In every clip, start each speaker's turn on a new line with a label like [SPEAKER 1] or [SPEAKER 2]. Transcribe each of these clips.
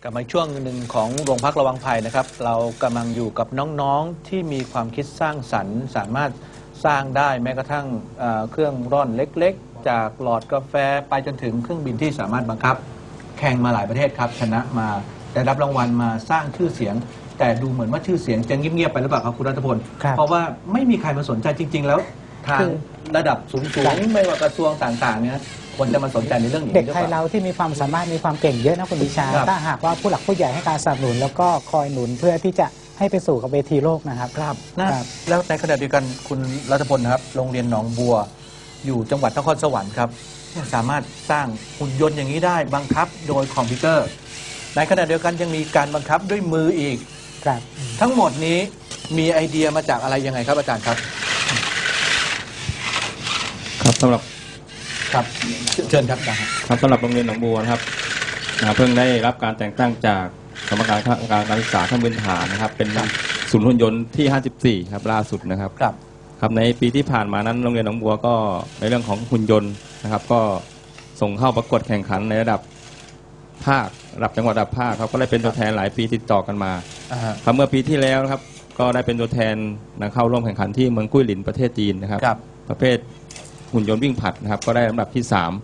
[SPEAKER 1] ลับมาช่วงหนึ่งของโรงพักระวังภัยนะครับเรากำลังอยู่กับน้องๆที่มีความคิดสร้างสรรค์สามารถสร้างได้แม้กระทั่งเครื่องร่อนเล็กๆจากหลอดกาแฟไปจนถึงเครื่องบินที่สามารถบังคับแข่งมาหลายประเทศครับชนะมาได้รับรางวัลมาสร้างชื่อเสียงแต่ดูเหมือนว่าชื่อเสียงจะเงียบๆไปหรือเปล่าครับคุณรัตพลเพราะว่าไม่มีใครมาสนใจจริงๆแล้วทางระดับสูงๆไม่ว่ากระทรวงต่างๆเนี่ยคนจะมาสนใจในเรื่องนี้เด็ก
[SPEAKER 2] ไทยเราที่มีความสามารถมีความเก่งเยอะนะคุณวิชาถ้าหากว่าผู้หลักผู้ใหญ่ให้การสนับสนุนแล้วก็คอยหนุนเพื่อที่จะให้ไปสู่กับเวทีโลกนะครับ
[SPEAKER 1] ครับแล้วในขณะเดียวกันคุณรัตพลครับโรงเรียนหนองบัวอยู่จังหวัดนครสวรรค์ครับสามารถสร้างหุ่นยนต์อย่างนี้ได้บังคับโดยคอมพิวเตอร์ในขณะเดียวกันยังมีการบังคับด้วยมืออีก
[SPEAKER 2] ครับ
[SPEAKER 1] ทั้งหมดนี้มีไอเดียมาจากอะไรยังไงครับอาจารย์ครับ
[SPEAKER 3] ครับสำหรับ
[SPEAKER 1] ครับเชิญครับ
[SPEAKER 3] ครับสำหรับโรงเรียนหนองบัวนะครับเพิ่งได้รับการแต่งตั้งจากกรรมการศึกษาขั้นพื้นฐานนะครับเป็นศูนย์หุ่นยนต์ที่54ครับล่าสุดนะครับครับในปีที่ผ่านมานั้นโรงเรียนหนองบัวก็ในเรื่องของหุ่นยนต์นะครับก็ส่งเข้าประกวดแข่งขันในระดับภาคระดับจังหวัดระดับภาคครับก็ได้เป็นตัวแทนหลายปีติดต่อกันมาครับเมื่อปีที่แล้วครับก็ได้เป็นตัวแทนเข้าร่วมแข่งขันที่เมืองกุ้ยหลินประเทศจีนนะครับประเภทหุ่นยนต์วิ่งผลัดนะครับก็ได้ลำดับที่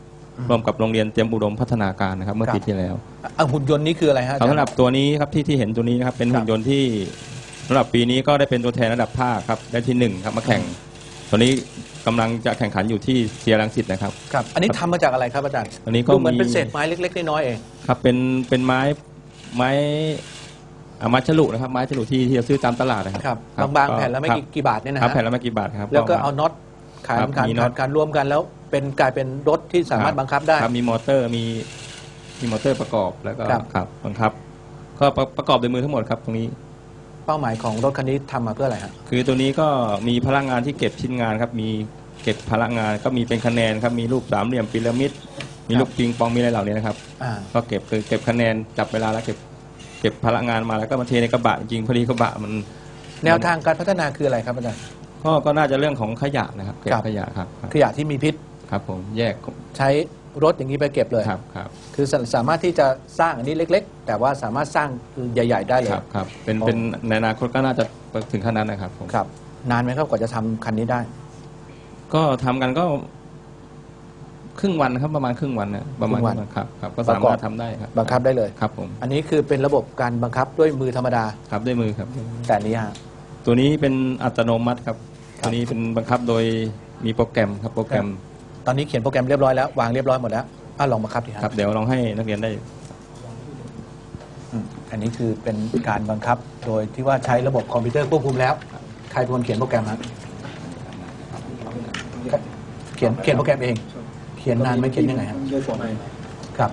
[SPEAKER 3] 3ร่วมกับโรงเรียนเตรียมอุดมพัฒนาการนะครับเมื่อปีที่แล้ว
[SPEAKER 1] หุ่นยนต์นี้คืออะไรฮะ
[SPEAKER 3] สำหรับตัวนี้ครับที่เห็นตัวนี้นะครับเป็นหุ่นยนต์ที่สำหรับปีนี้ก็ได้เป็นตัวแทนระดับภาคครับได้ที่1ครับมาแข่งตัวนี้กำลังจะแข่งขันอยู่ที่เซียรังสิตนะครับ
[SPEAKER 1] ครับอันนี้ทำมาจากอะไรครับอาจารย์
[SPEAKER 3] อันนี้ก็
[SPEAKER 1] เหมือนเป็นเศษไม้เล็กๆน้อยๆเอง
[SPEAKER 3] ครับเป็นไม้ฉลุนะครับไม้ฉลุที่จะซื้อตามตลาดนะครับ
[SPEAKER 1] บางๆแผ่นแล้วไม่กี่บาทเนี่ยนะ
[SPEAKER 3] ครับแผ่นแล้วไม่กี่บาทครับ
[SPEAKER 1] แล้วก็เอาน็อตขานรวมกันแล้วกลายเป็นรถที่สามารถบังคับได้
[SPEAKER 3] มีมอเตอร์มีมอเตอร์ประกอบแล้วก็ครับบังคับก็ประกอบโดยมือทั้งหมดครับตรงนี้
[SPEAKER 1] เป้าหมายของรถคันนี้ทำมาเพื่ออะไรครับ
[SPEAKER 3] คือตัวนี้ก็มีพลังงานที่เก็บชิ้นงานครับมีเก็บพลังงานก็มีเป็นคะแนนครับมีรูปสามเหลี่ยมพีระมิดมีลูกปิงปองมีอะไรเหล่านี้นะครับก็เก็บคะแนนจับเวลาแล้วเก็บพลังงานมาแล้วก็มาเทในกระบะจริงพอดีกระบะมัน
[SPEAKER 1] แนวทางการพัฒนาคืออะไรครับอาจารย์
[SPEAKER 3] ก็น่าจะเรื่องของขยะนะครับเก็บขยะครับ
[SPEAKER 1] ขยะที่มีพิษ
[SPEAKER 3] ครับผมแยก
[SPEAKER 1] ใช้รถอย่างนี้ไปเก็บเลย
[SPEAKER 3] ครับ
[SPEAKER 1] คือสามารถที่จะสร้างอันนี้เล็กๆแต่ว่าสามารถสร้างใหญ่ๆได้เลย
[SPEAKER 3] ครับเป็นในอนาคตก็น่าจะถึงขั้นนั้นนะครับ
[SPEAKER 1] ครับนานไหมครับกว่าจะทำคันนี้ได้
[SPEAKER 3] ก็ทำกันก็ครึ่งวันครับประมาณครึ่งวันนะประมาณครับก็สามารถทำได้ครับ
[SPEAKER 1] บังคับได้เลย
[SPEAKER 3] ครับผม
[SPEAKER 1] อันนี้คือเป็นระบบการบังคับด้วยมือธรรมดา
[SPEAKER 3] ครับด้วยมือครับ
[SPEAKER 1] แต่นี้ฮะ
[SPEAKER 3] ตัวนี้เป็นอัตโนมัติครับตัวนี้เป็นบังคับโดยมีโปรแกรมครับโปรแกรม
[SPEAKER 1] ตอนนี้เขียนโปรแกรมเรียบร้อยแล้ววางเรียบร้อยหมดแล้วลองบังคับดิ
[SPEAKER 3] ครับเดี๋ยวลองให้นักเรียนได้
[SPEAKER 1] อันนี้คือเป็นการบังคับโดยที่ว่าใช้ระบบคอมพิวเตอร์ควบคุมแล้วใครเป็นคนเขียนโปรแกรมครับเขียนโปรแกรมเองเขียนนานไหมเขียนยังไงครับ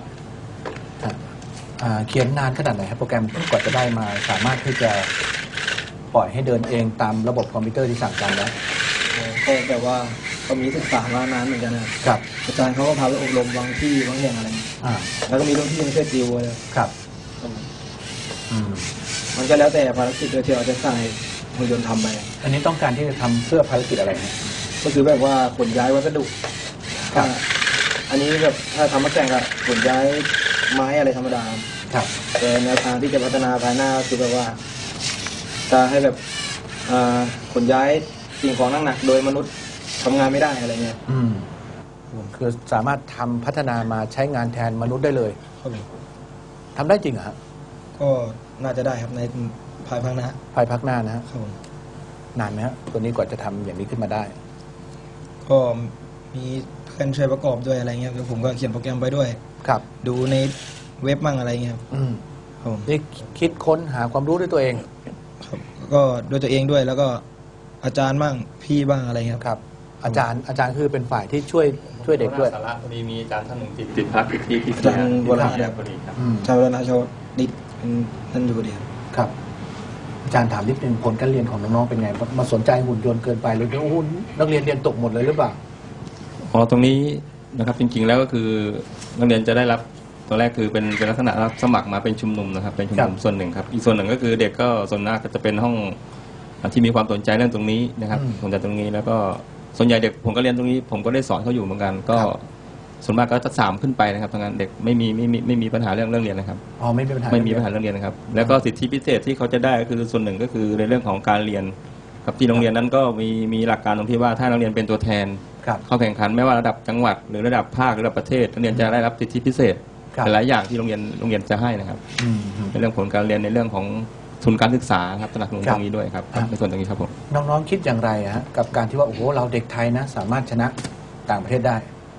[SPEAKER 1] เขียนนานขนาดไหนครับโปรแกรมกว่าจะได้มาสามารถที่จะปล่อยให้เดินเองตามระบบคอมพิวเตอร์ที่สั่งการแล้ว
[SPEAKER 4] ก็แบบว่าก็มีศึกษามานานเหมือนกันนะครับอาจารย์เขาก็พาไปอบรมบางที่บางอย่างอะไรแล้วก็มีรุ่นพี่มาช่วยติวเลย
[SPEAKER 1] ครับ
[SPEAKER 4] มันก็แล้วแต่ภารกิจที่เราจะสั่งให้หุ่นยนต์ทำไป
[SPEAKER 1] อันนี้ต้องการที่จะทำเพื่อภารกิจอะไร
[SPEAKER 4] ก็คือแบบว่าขนย้ายวัสดุอันนี้แบบถ้าทำมาแข่งกับขนย้ายไม้อะไรธรรมดา
[SPEAKER 1] ครับ
[SPEAKER 4] แต่แนวทางที่จะพัฒนาภายหน้าคือแบบว่าจะให้แบบขนย้ายสิ่งของหนักๆโดยมนุษย์ทำงานไม่ได้อะไรเงี้ย
[SPEAKER 1] คือสามารถทำพัฒนามาใช้งานแทนมนุษย์ได้เลยทำได้จริงเหรอครับ
[SPEAKER 4] ก็น่าจะได้ครับในภายภาคหน้า
[SPEAKER 1] นะครับนานไหมครับตัวนี้กว่าจะทำอย่างนี้ขึ้นมาได้
[SPEAKER 4] ก็มีเพื่อนช่วยประกอบด้วยอะไรเงี้ยแล้วผมก็เขียนโปรแกรมไปด้วย
[SPEAKER 1] ครับ
[SPEAKER 4] ดูในเว็บมั่งอะไรเงี้ย
[SPEAKER 1] นี่คิดค้นหาความรู้ด้วยตัวเอง
[SPEAKER 4] ครับก็ด้วยตัวเองด้วยแล้วก็อาจารย์บ้างพี่บ้างอะไรเงี้ย
[SPEAKER 1] ครับอาจารย์คือเป็นฝ่ายที่ช่วยเด็กด้วย
[SPEAKER 3] สาระพอดีมีอาจารย์ท่านหนึ่งติดพักที่
[SPEAKER 4] อาจารย์วราพอดีครับชาวนาชาวดิษท่านอยู่พอดี
[SPEAKER 1] ครับอาจารย์ถามนิดนึงผลการเรียนของน้องๆเป็นไงมาสนใจหุ่นยนต์เกินไปหรือนักเรียนตกหมดเลยหรือเปล่า
[SPEAKER 3] ตรงนี้นะครับจริงๆแล้วก็คือนักเรียนจะได้รับตัวแรกคือเป็นลักษณะรับสมัครมาเป็นชุมนุมนะครับเป็นชุมนุมส่วนหนึ่งครับอีกส่วนหนึ่งก็คือเด็กก็ส่วนมากก็จะเป็นห้องที่มีความสนใจเรื่องตรงนี้นะครับสนใจตรงนี้แล้วก็ส่วนใหญ่เด็กผมก็เรียนตรงนี้ผมก็ได้สอนเขาอยู่เหมือนกันก็ส่วนมากก็จะ3ขึ้นไปนะครับทางนั้นเด็กไม่มีปัญหาเรื่องเรียนนะครับ
[SPEAKER 1] อ๋อไม่มีปัญหา
[SPEAKER 3] ไม่มีปัญหาเรื่องเรียนนะครับแล้วก็สิทธิพิเศษที่เขาจะได้ก็คือส่วนหนึ่งก็คือในเรื่องของการเรียนครับที่โรงเรียนนั้นก็มีหลักการตรงที่ว่าถ้านักเรียนเป็นตัวแทน
[SPEAKER 1] ครับ
[SPEAKER 3] เข้าแข่งขันไม่ว่าระดับจังหวัดหรือระดับภาคหรือระดับประเทศนักเรียนจะได้รับสิทธิพิเศษ
[SPEAKER 1] ครับ
[SPEAKER 3] หลายอย่างที่โรงเรียนจะให้นะครับ
[SPEAKER 1] อืม
[SPEAKER 3] ในเรื่องผลการเรียนในเรื่องของทุนการศึกษาครับสนับสนุน
[SPEAKER 1] ครั
[SPEAKER 3] ต
[SPEAKER 1] บ
[SPEAKER 3] รงนี้ด้วยครับ
[SPEAKER 1] ครับ
[SPEAKER 3] ในส่วนตรงนี้ครับผม
[SPEAKER 1] น้องๆคิดอย่างไรฮะกับการที่ว่าโอ้โหเราเด็กไทยนะ สามารถชนะต่างประเทศได้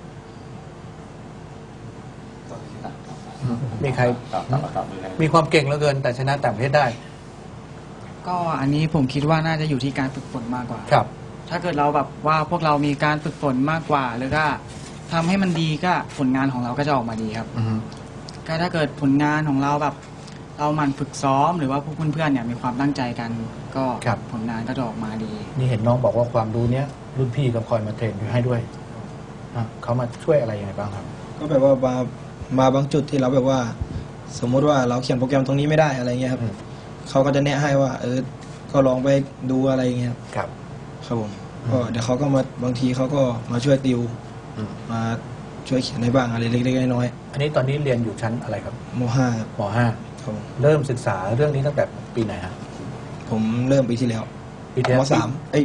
[SPEAKER 1] มีใครมีความเก่งเหลือเกิน แต่ชนะต่างประเทศได้
[SPEAKER 5] ก็อันนี้ผมคิดว่าน่าจะอยู่ที่การฝึกฝนมากกว่า
[SPEAKER 1] ครับ
[SPEAKER 5] ถ้าเกิดเราแบบว่าพวกเรามีการฝึกฝนมากกว่าหรือก็ทำให้มันดีก็ผลงานของเราก็จะออกมาดีครับ
[SPEAKER 1] อือฮึ
[SPEAKER 5] ก็ถ้าเกิดผลงานของเราแบบเราหมั่นฝึกซ้อมหรือว่าพวกเพื่อนๆเนี่ยมีความตั้งใจกัน ก็ผลงานก็จะออกมาดี
[SPEAKER 1] นี่เห็นน้องบอกว่าความรู้เนี้ยรุ่นพี่ก็คอยมาเทรนให้ด้วยเขามาช่วยอะไรยังไงบ้างครับ
[SPEAKER 4] ก็แบบว่ามาบางจุดที่เราแบบว่า สมมุติว่าเราเขียนโปรแกรมตรงนี้ไม่ได้อะไรเงี้ยครับ
[SPEAKER 1] อืม
[SPEAKER 4] เขาก็จะแนะให้ว่าก็ลองไปดูอะไรเงี้ยครับ
[SPEAKER 1] ครับ
[SPEAKER 4] ครับผมก็เดี๋ยวเขาก็มาบางทีเขาก็มาช่วยติว
[SPEAKER 1] อืม
[SPEAKER 4] มาช่วยเขียนให้บ้างอะไรเล็กๆน้อย
[SPEAKER 1] อันนี้ตอนนี้เรียนอยู่ชั้นอะไรครับ
[SPEAKER 4] ๆม .5 ครับ
[SPEAKER 1] ม
[SPEAKER 4] ครับผม
[SPEAKER 1] .5 เริ่มศึกษาเรื่องนี้ตั้งแต่ปีไหนฮะ
[SPEAKER 4] ผมเริ่มปีที่แล้ว
[SPEAKER 1] ปีที่แล้ว
[SPEAKER 4] ม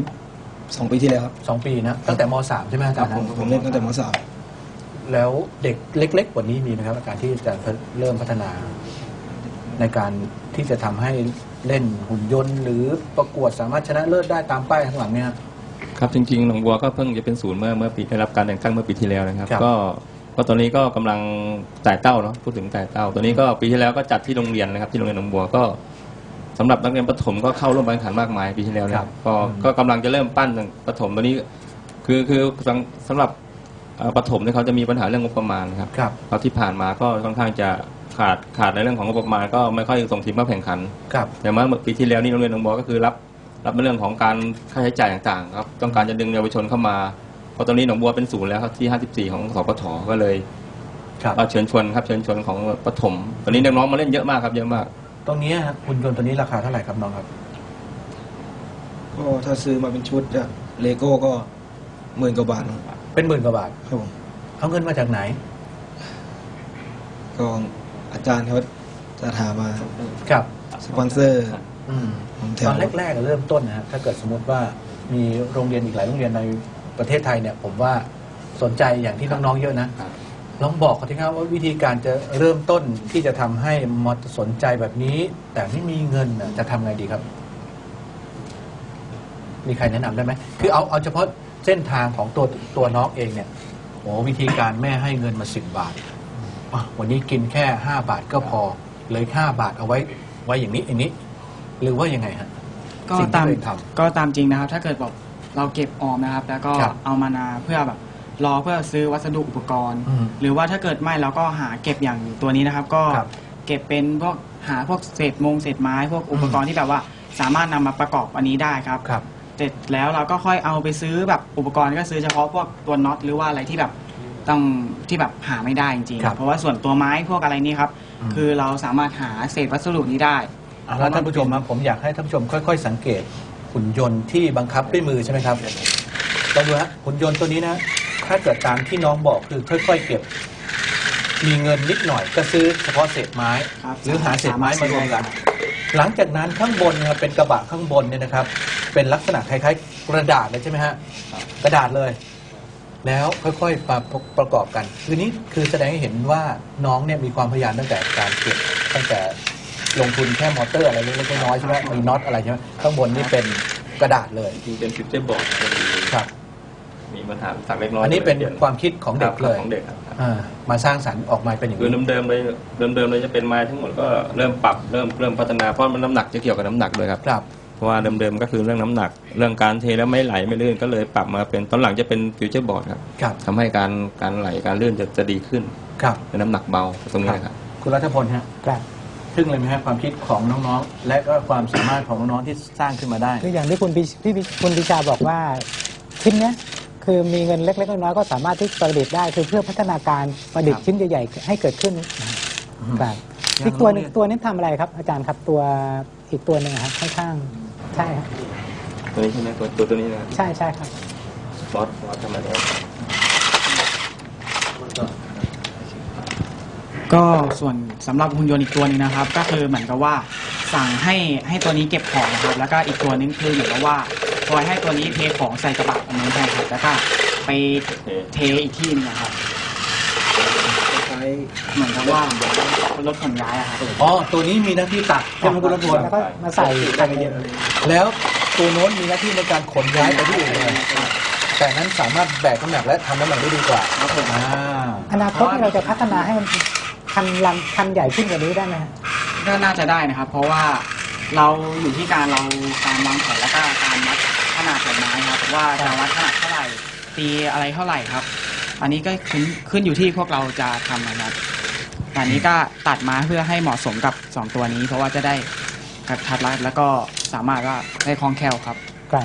[SPEAKER 4] .3 2 ปีที่แล้วครับ
[SPEAKER 1] 2 ปีนะตั้งแต่ม .3 ใช่ไหมอาจารย์
[SPEAKER 4] ผมเล่นตั้งแต่ม
[SPEAKER 1] แล้วเด็กเล็กๆกว่านี้มีไหมครับการที่จะเริ่มพัฒนา ในการที่จะทำให้เล่นหุ่นยนต์ หรือประกวดสามารถชนะเลิศได้ตามป้ายข้างหลังเนี่ย
[SPEAKER 3] ครับจริงๆหนองบัวก็เพิ่งจะเป็นศูนย์เมื่อปีได้รับการแต่งตั้งเมื่อปีที่แล้วนะครับ
[SPEAKER 1] ครับ
[SPEAKER 3] ก็ตอนนี้ก็กำลังจ่ายเต้าเนาะพูดถึงจ่ายเต้าตัวนี้ก็ปีที่แล้วก็จัดที่โรงเรียนนะครับที่โรงเรียนหนองบัวก็สำหรับนักเรียนประถมก็เข้าร่วมการแข่งขันมากมายปีที่แล้วนะครับก็กำลังจะเริ่มปั้นประถมตัวนี้คือสำหรับประถมเนี่ยเขาจะมีปัญหาเรื่องงบประมาณนะครับ
[SPEAKER 1] ครับ
[SPEAKER 3] เพราะที่ผ่านมาก็ค่อนข้างจะขาดในเรื่องของงบประมาณก็ไม่ค่อยส่งทีมเข้าแข่งขัน
[SPEAKER 1] ครับ
[SPEAKER 3] แต่เมื่อปีที่แล้วนี่โรงเรียนหนองบัวก็คือรับในเรื่องของการค่าใช้จ่ายต่างๆครับต้องการจะดึงเยาวชนเข้ามาเพราะตอนนี้หนองบัวเป็นศูนย์แล้วครับที่54ของสปทก็เลย
[SPEAKER 1] ครับ
[SPEAKER 3] เชิญชวนของประถมตอนนี้น้องๆมาเล่นเยอะมากครับเยอะมาก
[SPEAKER 1] ตรงนี้ฮะหุ่นยนต์ตัวนี้ราคาเท่าไหร่ครับน้องครับ
[SPEAKER 4] ก็ถ้าซื้อมาเป็นชุดจากเลโก้ก็10,000 กว่าบาทครับ
[SPEAKER 1] เป็น10,000 กว่าบาท
[SPEAKER 4] ครับผม
[SPEAKER 1] เอาเงินมาจากไหน
[SPEAKER 4] ก็อาจารย์เขาจะถามมา
[SPEAKER 1] ครับ
[SPEAKER 4] สปอนเซอร์
[SPEAKER 1] อืม
[SPEAKER 4] ผมแถ
[SPEAKER 1] ต
[SPEAKER 4] ว
[SPEAKER 1] อนแรกๆเริ่มต้นนะฮะถ้าเกิดสมมติว่ามีโรงเรียนอีกหลายโรงเรียนในประเทศไทยเนี่ย ผมว่าสนใจอย่างที่น้องๆเยอะนะลองบอกเขาทีครับว่าวิธีการจะเริ่มต้นที่จะทำให้มอสนใจแบบนี้ แต่ไม่มีเงินน่ะจะทำไงดีครับ มีใครแนะนำได้ไหมคือเอาเฉพาะเส้นทางของตัวน้องเองเนี่ยโอ้วิธีการแม่ให้เงินมา10 บาทวันนี้กินแค่5 บาทก็พอเลย5 บาทเอาไว้อย่างนี้ หรือว่ายังไงฮะ
[SPEAKER 5] ก็
[SPEAKER 1] สิ่งที่
[SPEAKER 5] ตาม
[SPEAKER 1] ตัวเองท
[SPEAKER 5] ก็ตามจริงนะครับ ถ้าเกิดแบบเราเก็บออมนะครับ แล้วก็
[SPEAKER 1] ครับ
[SPEAKER 5] เอามานาเพื่อแบบรอเพื่อซื้อวัสดุอุปกรณ์
[SPEAKER 1] อืม
[SPEAKER 5] หรือว่าถ้าเกิดไม่เราก็หาเก็บอย่างตัวนี้นะครับ ก็
[SPEAKER 1] ครับ
[SPEAKER 5] เก็บเป็นพวกหาพวกเศษไม้พวกอุปกรณ์ที่แบบว่าสามารถนำมาประกอบอันนี้ได้ครับ
[SPEAKER 1] ครับ
[SPEAKER 5] เสร็จแล้วเราก็ค่อยเอาไปซื้อแบบอุปกรณ์ก็ซื้อเฉพาะพวกตัวน็อตหรือว่าอะไรที่แบบต้องที่แบบหาไม่ได้จริง
[SPEAKER 1] ครับ
[SPEAKER 5] ๆเพราะว่าส่วนตัวไม้พวกอะไรนี่ครับ
[SPEAKER 1] อืม
[SPEAKER 5] คือเราสามารถหาเศษวัสดุนี้ได้
[SPEAKER 1] แล้วท่านผู้ชมนะผมอยากให้ท่านผู้ชมค่อยๆ สังเกตหุ่นยนต์ที่บังคับด้วยมือใช่ไหมครับลองดูฮะหุ่นยนต์ตัวนี้นะ ถ้าเกิดตามที่น้องบอกคือค่อยๆ เก็บ มีเงินนิดหน่อยก็ซื้อเฉพาะเศษไม้
[SPEAKER 5] ครับ
[SPEAKER 1] หรือหาเศษไม้มารวมกัน หลังจากนั้นข้างบนนะครับเป็นกระบะข้างบนเนี่ยนะครับ เป็นลักษณะคล้ายๆกระดาษเลยใช่ไหมฮะกระดาษเลย แล้วค่อยๆประกอบกันคือนี้คือแสดงให้เห็นว่าน้องเนี่ยมีความพยายามตั้งแต่การเก็บตั้งแต่ลงทุนแค่มอเตอร์อะไรเล็กๆน้อยๆใช่ไหมมีน็อตอะไรใช่ไหมข้างบนนี่เป็นกระดาษเลย
[SPEAKER 3] จริงเป็นฟิวเจอร์บอร์ด
[SPEAKER 1] ครับ
[SPEAKER 3] มีปัญหาสักเล็กน้อย
[SPEAKER 1] อันนี้เป็นความคิดของเด็กเลย
[SPEAKER 3] ของเด็กครับ
[SPEAKER 1] มาสร้างสรรค์ออกมาเป็นอย่าง
[SPEAKER 3] คือ
[SPEAKER 1] นี้
[SPEAKER 3] เดิมเลยจะเป็นไม้ทั้งหมดก็เริ่มปรับเริ่มพัฒนาเพราะมันน้ำหนักจะเกี่ยวกับน้ำหนักด้วยครับ
[SPEAKER 1] ครับ
[SPEAKER 3] เพราะว่าเดิมๆก็คือเรื่องน้ำหนัก เรื่องการเทแล้วไม่ไหลไม่ลื่นก็เลยปรับมาเป็นตอนหลังจะเป็นฟิวเจอร์บอร์ดครับ
[SPEAKER 1] ครับ
[SPEAKER 3] ทำให้การไหลการลื่นจะดีขึ้น
[SPEAKER 1] ครับ
[SPEAKER 3] เป็นน้ำหนักเบาตรงนี้นะครับ
[SPEAKER 1] คุณรัฐพลฮะ
[SPEAKER 2] ครับ
[SPEAKER 1] ทึ่งเลยไหมฮะความคิดของน้องๆ และก็ความสามารถของน้องๆที่สร้างขึ้นมาได้
[SPEAKER 2] คืออย่างที่คุณปิชาบอกว่าชิ้นเนี้ยคือมีเงินเล็กๆน้อยๆก็สามารถที่ประดิษฐ์ได้คือเพื่อพัฒนาการประดิษฐ์ชิ้นใหญ่ๆให้เกิดขึ้นครับ
[SPEAKER 1] อย่าง
[SPEAKER 2] อีกตัวหนึง
[SPEAKER 1] โรงเรียน
[SPEAKER 2] ตัวนี้ทำอะไรครับอาจารย์ครับตัวอีกตัวหนึ่งอะครับข้างๆใช่ครับ
[SPEAKER 3] ตัวนี้ใช่ไหมตัวนี้นะครับ
[SPEAKER 2] ใช่ครับ
[SPEAKER 3] ฟอสทำอะไรได้
[SPEAKER 5] ก็ส่วนสำหรับหุ่นยนต์อีกตัวนึงนะครับ ก็คือเหมือนกับว่าสั่งให้ตัวนี้เก็บของนะครับแล้วก็อีกตัวนึงคือเหมือนกับว่าคอยให้ตัวนี้เทของใส่กระบะอันนี้นใช่ครับแล้วก็ไปเทอีกที่นึงนะครับ
[SPEAKER 4] ใช้
[SPEAKER 5] เหมือนกับว่ารถขนย้ายอะครับ
[SPEAKER 1] อ๋อตัวนี้มีหน้าที่ตักใช่ไหมคุณรัตพล
[SPEAKER 2] แล้วก็มาใส่
[SPEAKER 4] ใช้เย็นเลย
[SPEAKER 1] แล้วตัวโน้นมีหน้าที่ในการขนย้ายไปที่อื่นเลยแต่นั้นสามารถแบกน้ำหนักและทำน้ำหนักได้ดีกว่า
[SPEAKER 5] ครับผม
[SPEAKER 2] อนาคตเราจะพัฒนาให้มันคันใหญ่ขึ้นกว่านี้ได้ไหมฮะ
[SPEAKER 5] ก็น่าจะได้นะครับ เพราะว่าเราอยู่ที่การวางแผนแล้วก็การวัดขนาดของไม้ครับว่าจะวัดขนาดเท่าไหร่ตีอะไรเท่าไหร่ครับ อันนี้ก็ขึ้นอยู่ที่พวกเราจะทำนะครับแต่อันนี้ก็ตัดมาเพื่อให้เหมาะสมกับ2ตัวนี้ เพราะว่าจะได้กระทัดรัดแล้วก็สามารถว่าได้คล่องแคล่วครับ
[SPEAKER 2] ครับ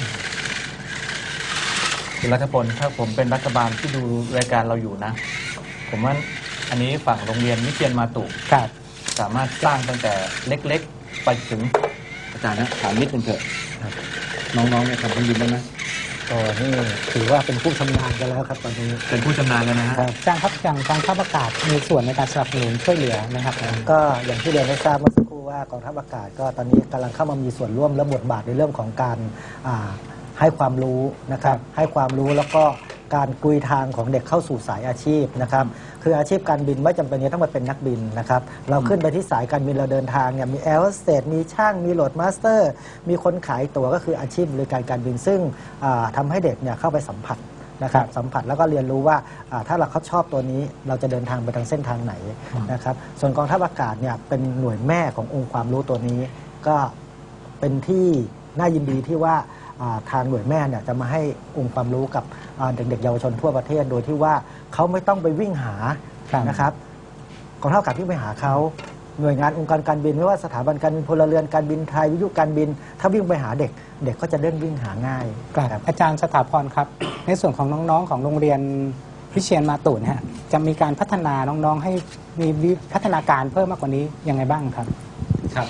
[SPEAKER 1] คุณรัฐพลถ้าผมเป็นรัฐบาลที่ดูรายการเราอยู่นะ ผมว่าอันนี้ฝั่งโรงเรียนวิเชียรมาตุ
[SPEAKER 2] ครับ
[SPEAKER 1] สามารถสร้างตั้งแต่เล็กๆ ไปถึงอาจารย์นะถามนิดนึงเถอะน้องๆเนี่ยทำเครื่องบินได้ไหม
[SPEAKER 2] ก็นี่ถือว่าเป็นผู้ชำนาญกันแล้วครับตอนนี้
[SPEAKER 1] เป็นผู้ชำนาญแล้วนะฮะ
[SPEAKER 2] ครับจ้างครับอย่างกองทัพอากาศมีส่วนในการสนับสนุนช่วยเหลือนะครับ
[SPEAKER 6] ก็อย่างที่เรียนให้ทราบเมื่อสักครู่ว่ากองทัพอากาศก็ตอนนี้กำลังเข้ามามีส่วนร่วมและบทบาทในเรื่องของการให้ความรู้นะครับให้ความรู้แล้วก็การกุยทางของเด็กเข้าสู่สายอาชีพนะครับคืออาชีพการบินไม่จำเป็นจะต้องมาเป็นนักบินนะครับเราขึ้นไปที่สายการบินเราเดินทางเนี่ยมีแอร์โฮสเตสมีช่างมีโหลดมาสเตอร์มีคนขายตั๋วก็คืออาชีพบริการการบินซึ่งทำให้เด็กเนี่ยเข้าไปสัมผัสนะครับสัมผัสแล้วก็เรียนรู้ว่าถ้าเราเขาชอบตัวนี้เราจะเดินทางไปทางเส้นทางไหนนะครับส่วนกองทัพอากาศเนี่ยเป็นหน่วยแม่ขององค์ความรู้ตัวนี้ก็เป็นที่น่ายินดีที่ว่าทางหน่วยแม่เนี่ยจะมาให้องค์ความรู้กับเด็กๆเยาวชนทั่วประเทศโดยที่ว่าเขาไม่ต้องไปวิ่งหานะครับกองทัพอากาศที่ไปหาเขาหน่วยงานองค์การการบินไม่ว่าสถาบันการบินพลเรือนการบินไทยวิทยุการบินถ้าวิ่งไปหาเด็กเด็กก็จะเริ่มวิ่งหาง่าย
[SPEAKER 2] ครับอาจารย์สถาพรครับ ในส่วนของน้องๆของโรงเรียนวิเชียรมาตุนะฮะจะมีการพัฒนาน้องๆให้มีพัฒนาการเพิ่มมากกว่านี้ยังไงบ้างครับ
[SPEAKER 1] ครับ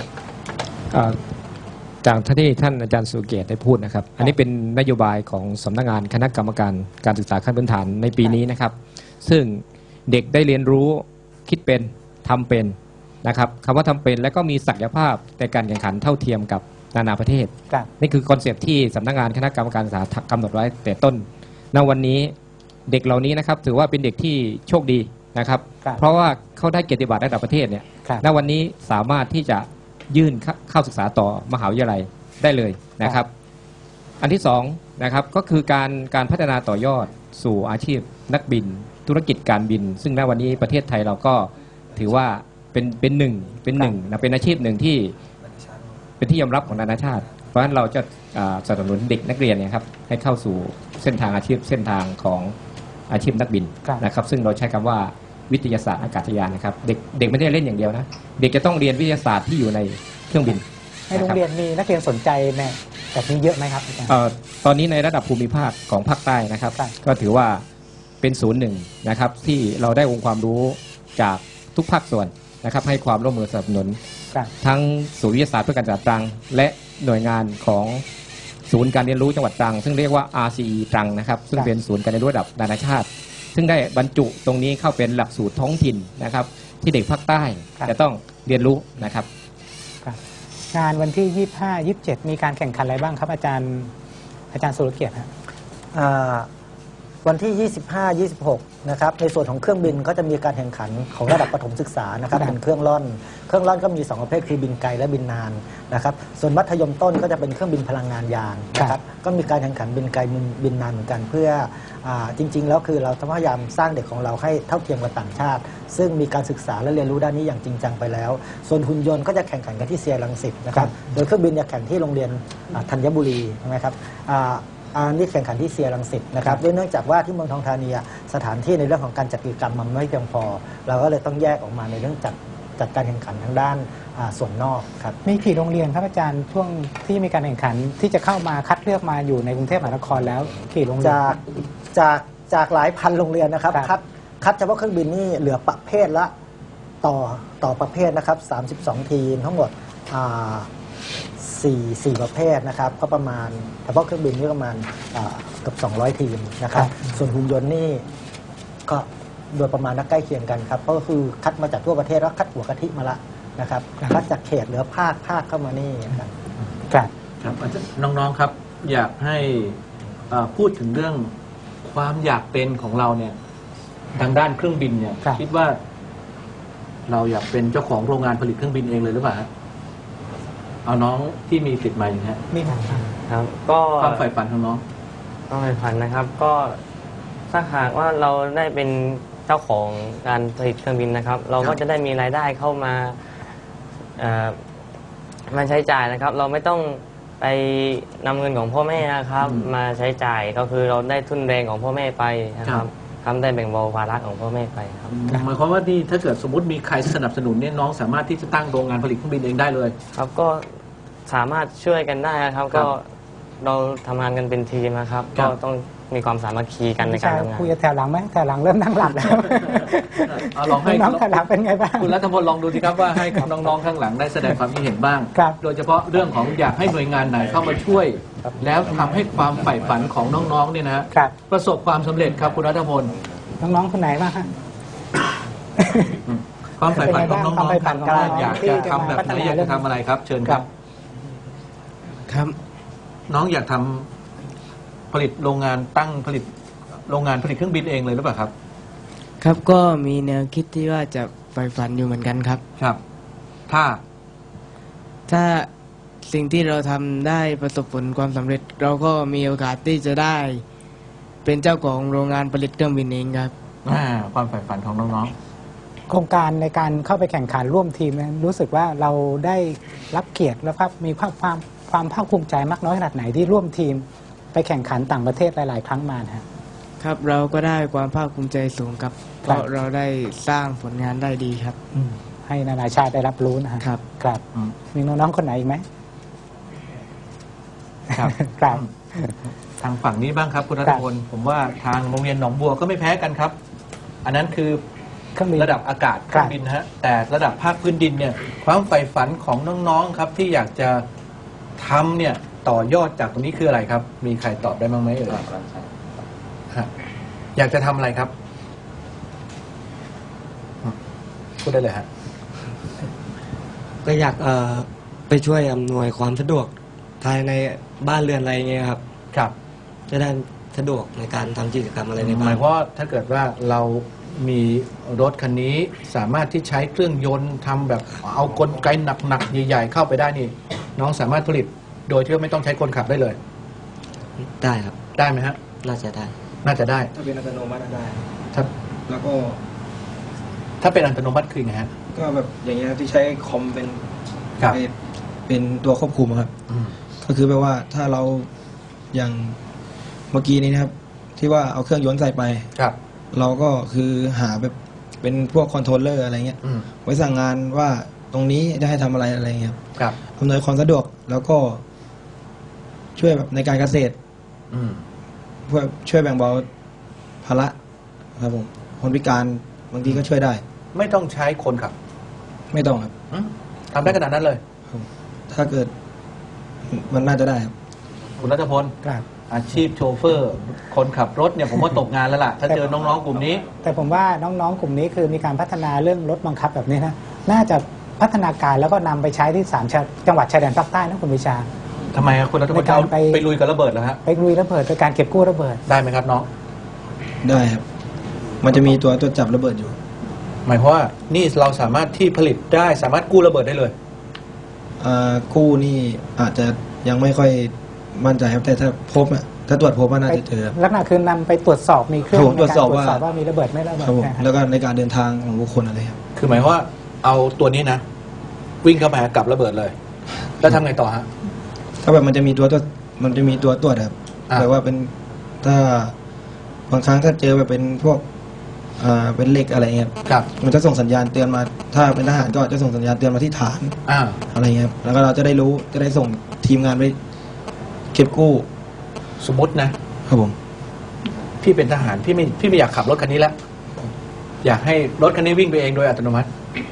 [SPEAKER 7] จากที่ท่านอาจารย์สุเกียรติได้พูดนะครับ อันนี้เป็นนโยบายของสำนักงานคณะกรรมการการศึกษาขั้นพื้นฐานในปีนี้นะครับ ซึ่งเด็กได้เรียนรู้คิดเป็นทำเป็นนะครับคำว่าทำเป็นและก็มีศักยภาพในการแข่งขันเท่าเทียมกับนานาประเทศ
[SPEAKER 2] ครับ
[SPEAKER 7] นี่คือคอนเซปต์ที่สำนักงานคณะกรรมการศึกษากำหนดไว้แต่ต้นณวันนี้เด็กเหล่านี้นะครับถือว่าเป็นเด็กที่โชคดีนะครับ
[SPEAKER 2] ครับ
[SPEAKER 7] เพราะว่าเขาได้เกียรติบัตรระดับประเทศเนี่ย
[SPEAKER 2] ครับ
[SPEAKER 7] ณวันนี้สามารถที่จะยื่นเข้าศึกษาต่อมหาวิทยาลัยได้เลยนะครับ อันที่สองนะครับก็คือการพัฒนาต่อยอดสู่อาชีพนักบินธุรกิจการบิน ซึ่งณวันนี้ประเทศไทยเราก็ถือว่าเป็นหนึ่งนะเป็นอาชีพหนึ่งที่เป็นที่ยอมรับของนานาชาติ เพราะฉะนั้นเราจะสนับสนุนเด็กนักเรียนเนี่ยครับให้เข้าสู่เส้นทางอาชีพเส้นทางของอาชีพนักบิน
[SPEAKER 2] ครับ
[SPEAKER 7] นะครับ ซึ่งเราใช้คำว่าวิทยาศาสตร์อากาศยานนะครับเด็กไม่ได้เล่นอย่างเดียวนะเด็กจะต้องเรียนวิทยาศาสตร์ที่อยู่ในเครื่องบิน
[SPEAKER 2] ในโรงเรียนมีนักเรียนสนใจแม่แบบนี้เยอะไหมครับอาจารย์
[SPEAKER 7] ตอนนี้ในระดับภูมิภาคของภาคใต้นะครับ
[SPEAKER 2] ครับ
[SPEAKER 7] ก็ถือว่าเป็นศูนย์หนึ่งนะครับที่เราได้องค์ความรู้จากทุกภาคส่วนนะครับให้ความร่วมมือสนับสนุน
[SPEAKER 2] ครับ
[SPEAKER 7] ทั้งศูนย์วิทยาศาสตร์เพื่อการศึกษาตรัง และหน่วยงานของศูนย์การเรียนรู้จังหวัดตรัง ซึ่งเรียกว่า RCE ตรังนะครับซึ่งเป็นศูนย์การเรียนรู้ระดับนานาชาติ ซึ่งได้บรรจุตรงนี้เข้าเป็นหลักสูตรท้องถิ่นนะครับที่เด็กภาคใต้
[SPEAKER 2] ครับ
[SPEAKER 7] จะต้องเรียนรู้นะครับ
[SPEAKER 2] ครับงานวันที่ 25 27 มีการแข่งขันอะไรบ้างครับอาจารย์สุรเกียรติฮะ
[SPEAKER 6] วันที่ 25 26 นะครับ ในส่วนของเครื่องบินก็จะมีการแข่งขันของระดับประถมศึกษานะครับ
[SPEAKER 2] ครับ
[SPEAKER 6] เป็นเครื่องร่อนก็มี2ประเภทคือบินไกลและบินนานนะครับ ส่วนมัธยมต้นก็จะเป็นเครื่องบินพลังงานยางนะครับ ก็มีการแข่งขันบินไกลบินนานเหมือนกันเพื่อจริง ๆ แล้วคือเราพยายามสร้างเด็กของเราให้เท่าเทียมกับต่างชาติ ซึ่งมีการศึกษาและเรียนรู้ด้านนี้อย่างจริงจังไปแล้ว ส่วนหุ่นยนต์ก็จะแข่งขันกันที่เซียรังสิตนะครับ โดยเครื่องบินจะแข่งที่โรงเรียนธัญบุรีนะครับอันนี้แข่งขันที่เซียรังสิตนะครับด้วยเนื่องจากว่าที่เมืองทองธานีสถานที่ในเรื่องของการจัดกิจกรรมมันไม่เพียงพอ เราก็เลยต้องแยกออกมาในเรื่องจัดการแข่งขันทางด้านส่วนนอกครับ
[SPEAKER 2] มีกี่โรงเรียนครับอาจารย์ช่วงที่มีการแข่งขันที่จะเข้ามาคัดเลือกมาอยู่ในกรุงเทพมหานครแล้วกี่โรงเรียน
[SPEAKER 6] จากหลายพันโรงเรียนนะครับ
[SPEAKER 2] ครับ
[SPEAKER 6] คัดเฉพาะเครื่องบินนี่เหลือประเภทละต่อประเภทนะครับ32 ทีมทั้งหมด4ประเภทนะครับก็ประมาณเฉพาะเครื่องบินนี่ประมาณเกือบ200 ทีมนะครับส่วนหุ่นยนต์นี่ก็โดยประมาณและใกล้เคียงกันครับก็คือคัดมาจากทั่วประเทศแล้วคัดหัวกะทิมาละนะครับคัดจากเขตเหลือภาคเข้ามานี่ครับ
[SPEAKER 2] ครับ
[SPEAKER 1] ครับน้องๆครับอยากให้พูดถึงเรื่องความอยากเป็นของเราเนี่ยทางด้านเครื่องบินเนี่ย
[SPEAKER 2] ครับ
[SPEAKER 1] คิดว่า เราอยากเป็นเจ้าของโรงงานผลิตเครื่องบินเองเลยหรือเปล่าฮะเอาน้องที่มีสิทธิ์มาอย่างนี้ฮะ
[SPEAKER 2] มีครับ
[SPEAKER 8] ครับก็
[SPEAKER 1] ความใฝ่ฝันของน้อง
[SPEAKER 8] ต้องไปพันนะครับ ก็ถ้าหากว่าเราได้เป็นเจ้าของการผลิตเครื่องบินนะครับ เราก็จะได้มีรายได้เข้ามามาใช้จ่ายนะครับ เราไม่ต้องไปนำเงินของพ่อแม่นะครับ มาใช้จ่ายก็คือเราได้ทุนแรงของพ่อแม่ไปนะครับทำได้แบ่งเบาภาระของพ่อแม่ไปครับ
[SPEAKER 1] หมายความว่านี่ถ้าเกิดสมมติมีใครสนับสนุนเนี่ยน้องสามารถที่จะตั้งโรงงานผลิตเครื่องบินเองได้เลย
[SPEAKER 8] ครับก็สามารถช่วยกันได้นะครับ
[SPEAKER 1] ครั
[SPEAKER 8] ก็
[SPEAKER 1] บ
[SPEAKER 8] เราทำงานกันเป็นทีมนะครับ
[SPEAKER 1] ครั
[SPEAKER 8] ก็
[SPEAKER 1] บ
[SPEAKER 8] ต้องมีความสามัคคีกันในการทำงาน
[SPEAKER 2] คุยกับแถวหลังไหมแถวหลังเริ่มนั่งหลับแล้ว
[SPEAKER 1] เอาลองให้
[SPEAKER 2] น้องแถวหลังเป็นไงบ้าง
[SPEAKER 1] คุณรัฐพลลองดูสิครับว่าให้น้องๆข้างหลังได้แสดงความคิดเห็นบ้าง
[SPEAKER 2] ครับ
[SPEAKER 1] โดยเฉพาะเรื่องของอยากให้หน่วยงานไหนเข้ามาช่วย แล้วทำให้ความใฝ่ฝันของน้องๆเนี่ยนะฮะ
[SPEAKER 2] ครับ
[SPEAKER 1] ประสบความสำเร็จครับคุณรัฐพล
[SPEAKER 2] น้องๆคนไหนบ้างฮะ
[SPEAKER 1] ความใฝ่ฝันของน้อง
[SPEAKER 2] ความใฝ่ฝัน
[SPEAKER 1] ๆ
[SPEAKER 2] ของ
[SPEAKER 1] ก
[SPEAKER 2] น้
[SPEAKER 1] ล้า
[SPEAKER 2] องๆ
[SPEAKER 1] อยาก
[SPEAKER 2] ที่
[SPEAKER 1] จะ
[SPEAKER 2] จะ
[SPEAKER 1] ทำแบบ
[SPEAKER 2] มาพัฒ
[SPEAKER 1] ไหน
[SPEAKER 2] นา
[SPEAKER 1] อยากจะทำอะไรครับ เชิญครับ
[SPEAKER 9] ครับ
[SPEAKER 1] น้องอยากทำผลิตโรงงานตั้งผลิตโรงงานผลิตเครื่องบินเองเลยหรือเปล่าครับ
[SPEAKER 9] ครับก็มีแนวคิดที่ว่าจะใฝ่ฝันอยู่เหมือนกันครับ
[SPEAKER 1] ครับ ถ้า
[SPEAKER 9] ถ้าสิ่งที่เราทำได้ประสบผลความสำเร็จ เราก็มีโอกาสที่จะได้เป็นเจ้าของโรงงานผลิตเครื่องบินเองครับ
[SPEAKER 1] ความใฝ่ฝันของน้อง
[SPEAKER 2] โครงการในการเข้าไปแข่งขันร่วมทีมนั้นรู้สึกว่าเราได้รับเกียรติและมีความภาคภูมิใจมากน้อยขนาดไหนที่ร่วมทีมไปแข่งขันต่างประเทศหลาย ๆ ครั้งมานะฮะ
[SPEAKER 9] ครับเราก็ได้ความภาคภูมิใจสูงครับเพราะเราได้สร้างผลงานได้ดีครับ
[SPEAKER 2] ให้นานาชาติได้รับรู้นะฮะ
[SPEAKER 9] ครับ
[SPEAKER 2] ครับ
[SPEAKER 1] อืม
[SPEAKER 2] มีน้องๆคนไหนอีกไหม
[SPEAKER 1] ๆ ครับ
[SPEAKER 2] ครับ
[SPEAKER 1] ทางฝั่งนี้บ้างครับคุณรัฐพลผมว่าทางโรงเรียนหนองบัวก็ไม่แพ้กันครับ อันนั้นคือ
[SPEAKER 2] เครื่องบิน
[SPEAKER 1] ระดับอากาศเครื่องบินนะฮะแต่ระดับภาคพื้นดินเนี่ยความใฝ่ฝันของน้องๆครับที่อยากจะทำเนี่ยต่อยอดจากตรงนี้คืออะไรครับ มีใครตอบได้บ้างไหมเอ่ยฮะอยากจะทำอะไรครับพูดได้เลยฮะ
[SPEAKER 10] ก็อยากไปช่วยอำนวยความสะดวกภายในบ้านเรือนอะไรเงี้ยครับ
[SPEAKER 1] ครับ
[SPEAKER 10] จะได้สะดวกในการทำกิจกรรมอะไรใน
[SPEAKER 1] ห
[SPEAKER 10] บ้าม
[SPEAKER 1] าน ยว่าถ้าเกิดว่าเรามีรถคันนี้สามารถที่ใช้เครื่องยนต์ทำแบบเอากลไกหนักๆใหญ่ๆเข้าไปได้นี่ น้องสามารถผลิตโดยที่ไม่ต้องใช้คนขับได้เลย
[SPEAKER 10] ได้ครับ
[SPEAKER 1] ได้ไหมฮะ
[SPEAKER 10] น่าจะได้
[SPEAKER 1] น่าจะได้
[SPEAKER 4] ถ้าเป็นอัตโนมัติได้
[SPEAKER 1] ถ้า
[SPEAKER 4] แล้วก็
[SPEAKER 1] ถ้าเป็นอัตโนมัติคือไงฮะ
[SPEAKER 4] ก็แบบอย่างเงี้ยที่ใช้คอมเป็น
[SPEAKER 1] ครับ
[SPEAKER 4] เป็นตัวควบคุมครับ ก็คือแปลว่าถ้าเราอย่างเมื่อกี้นี้นะครับ ที่ว่าเอาเครื่องยนต์ใส่ไป
[SPEAKER 1] ครับ
[SPEAKER 4] เราก็คือหาแบบเป็นพวกคอนโทรลเลอร์อะไรเงี้ย ไว้สั่งงานว่าตรงนี้ได้ให้ทำอะไรอะไรเงี้ยครับ
[SPEAKER 1] ครับ
[SPEAKER 4] อำนวยความสะดวกแล้วก็ช่วยแบบในการเกษตร เพื่อช่วยแบ่งเบาภาระครับผมคนพิการบางทีก็ช่วยได้
[SPEAKER 1] ไม่ต้องใช้คนขับ
[SPEAKER 4] ไม่ต้องครับ
[SPEAKER 1] ทำได้ขนาดนั้นเลย
[SPEAKER 4] ถ้าเกิดมันน่าจะได้ครับ
[SPEAKER 1] คุณรัฐพล
[SPEAKER 2] ครับ
[SPEAKER 1] อาชีพโชเฟอร์ คนขับรถเนี่ยผมว่าตกงานแล้วล่ะ ถ้าเจอน้องๆกลุ่มนี้
[SPEAKER 2] แต่ผมว่าน้องๆ กลุ่มนี้คือมีการพัฒนาเรื่องรถบังคับแบบนี้นะน่าจะพัฒนาการแล้วก็นำไปใช้ที่จังหวัดชายแดนภาคใต้นะคุณวิชา
[SPEAKER 1] ทำไมครับคุณรัฐพล
[SPEAKER 2] ในการ
[SPEAKER 1] เอาไปลุยกับระเบิดแล้วฮะ
[SPEAKER 2] ไปลุยระเบิดโดยการเก็บกู้ระเบิด
[SPEAKER 1] ได้ไหมครับน้อง
[SPEAKER 4] ได้ครับ มันจะมีตัวจับระเบิดอยู่
[SPEAKER 1] หมายความว่านี่เราสามารถที่ผลิตได้สามารถกู้ระเบิดได้เลย
[SPEAKER 4] กู้นี่อาจจะยังไม่ค่อยมั่นใจครับแต่ถ้าพบอะถ้าตรวจพบว่าน่าจะเจอครับ
[SPEAKER 2] ลักษณะคือนำไปตรวจสอบมีเครื่อง
[SPEAKER 4] ครับผม
[SPEAKER 2] ใน
[SPEAKER 4] ตรวจ
[SPEAKER 2] การ
[SPEAKER 4] สอบ
[SPEAKER 2] ตรวจสอบ
[SPEAKER 4] ว่า
[SPEAKER 2] ว่ามีระเบิดไม่ระเบิด
[SPEAKER 4] ครับผม
[SPEAKER 2] นะฮะ
[SPEAKER 4] แล้วก็ในการเดินทางของบุคคลอะไรครับ
[SPEAKER 1] คือหมายความว่าเอาตัวนี้นะ วิ่งเข้ามากับระเบิดเลย แล้วทำไงต่อฮะ
[SPEAKER 4] ถ้าแบบมันจะมีตัวตรวจมันจะมีตัวตรวจครับ
[SPEAKER 1] อ่า
[SPEAKER 4] แต่ว่าเป็นถ้าบางครั้งถ้าเจอแบบเป็นพวกเป็นเหล็กอะไรเงี้ยครับ
[SPEAKER 1] ครับ
[SPEAKER 4] มันจะส่งสัญญาณเตือนมา ถ้าเป็นทหารก็จะส่งสัญญาณเตือนมาที่ฐาน
[SPEAKER 1] อ่า
[SPEAKER 4] อะไรเงี้ยครับแล้วก็เราจะได้รู้จะได้ส่งทีมงานไปเก็บกู้
[SPEAKER 1] สมมตินะครับ
[SPEAKER 4] ผม
[SPEAKER 1] พี่เป็นทหารพี่ไม่อยากขับรถคันนี้แล้วอยากให้รถคันนี้วิ่งไปเองโดยอัตโนมัติ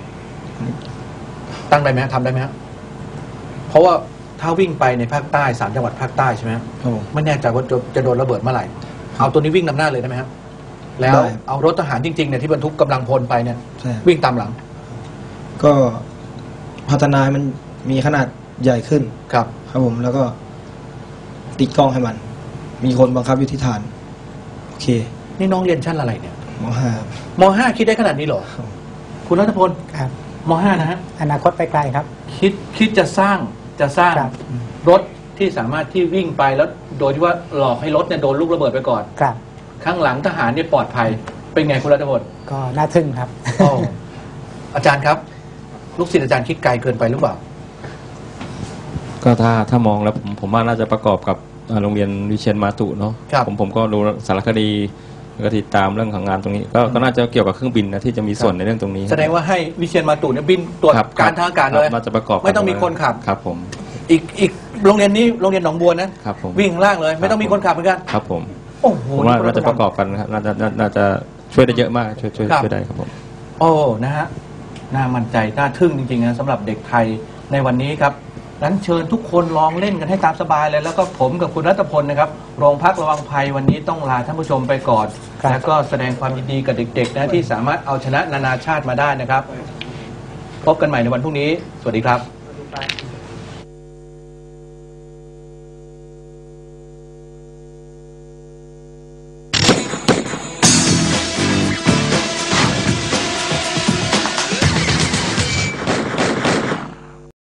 [SPEAKER 1] ตั้งได้ไหมฮะทำได้ไหมฮะเพราะว่าถ้าวิ่งไปในภาคใต้3 จังหวัดภาคใต้ใช่ไหมฮะ
[SPEAKER 4] ครับผม
[SPEAKER 1] ไม่แน่ใจว่าจะโดนระเบิดเมื่อไหร่เอาตัวนี้วิ่งนำหน้าเลยได้ไหมฮะแล้ว
[SPEAKER 4] ได้
[SPEAKER 1] เอารถทหารจริงๆเนี่ยที่บรรทุกกำลังพลไปเนี่ย
[SPEAKER 4] ใช่ครับ
[SPEAKER 1] วิ่งตามหลัง
[SPEAKER 4] ก็พัฒนาให้มันมีขนาดใหญ่ขึ้น
[SPEAKER 1] ครับ
[SPEAKER 4] ครับผมแล้วก็ติดกล้องให้มัน มีคนบังคับอยู่ที่ฐาน โอเค
[SPEAKER 1] นี่น้องเรียนชั้นอะไรเนี่ย
[SPEAKER 4] มห้าม
[SPEAKER 1] .5 คิดได้ขนาดนี้เหรอ คุณรัตพล
[SPEAKER 2] ครับ
[SPEAKER 1] ม.5 นะฮะ
[SPEAKER 2] อนาคตไปไกลครับ
[SPEAKER 1] คิดจะสร้าง
[SPEAKER 2] ครับ
[SPEAKER 1] รถที่สามารถที่วิ่งไปแล้วโดยที่ว่าหลอกให้รถเนี่ยโดนลูกระเบิดไปก่อน
[SPEAKER 2] ครับ
[SPEAKER 1] ข้างหลังทหารเนี่ยปลอดภัย เป็นไงคุณรัตพล
[SPEAKER 2] ก็น่าทึ่งครับ
[SPEAKER 1] โอ้อาจารย์ครับ ลูกศิษย์อาจารย์คิดไกลเกินไปหรือเปล่า
[SPEAKER 3] ก็ถ้ามองแล้วผมว่าน่าจะประกอบกับโรงเรียนวิเชียรมาตุเนาะ
[SPEAKER 1] ครับ
[SPEAKER 3] ผมก็ดูสารคดีแล้วก็ติดตามเรื่องของงานตรงนี้ ก็น่าจะเกี่ยวกับเครื่องบินนะที่จะมีส่วนในเรื่องตรงนี้
[SPEAKER 1] แสดงว่าให้วิเชียรมาตุเนี่ยบินตรวจ
[SPEAKER 3] ครับ
[SPEAKER 1] การทางอากาศเลย
[SPEAKER 3] น่าจะประกอบกัน
[SPEAKER 1] ไม่ต้องมีคนขับ
[SPEAKER 3] ครับผม
[SPEAKER 1] อีกโรงเรียนนี้โรงเรียนหนองบัวนะครับ
[SPEAKER 3] ผม
[SPEAKER 1] วิ่งข้างล่างเลย ไม่ต้องมีคนขับเหมือนกัน
[SPEAKER 3] ครับผม
[SPEAKER 1] โอ้โห
[SPEAKER 3] ผมว่าน่าจะประกอบกันนะครับน่าจะช่วยได้เยอะมากช่วยได้ครับผม
[SPEAKER 1] โอ้นะฮะน่ามั่นใจน่าทึ่งจริงๆนะสำหรับเด็กไทยในวันนี้ครับนั้นเชิญทุกคนลองเล่นกันให้ตามสบายเลยแล้วก็ผมกับคุณรัตพลนะครับโรงพักระวังภัยวันนี้ต้องลาท่านผู้ชมไปก่อน
[SPEAKER 2] ครับ
[SPEAKER 1] แล้วก็แสดงความยินดีกับเด็กๆนะที่สามารถเอาชนะนานาชาติมาได้นะครับ พบกันใหม่ในวันพรุ่งนี้ สวัสดีครับ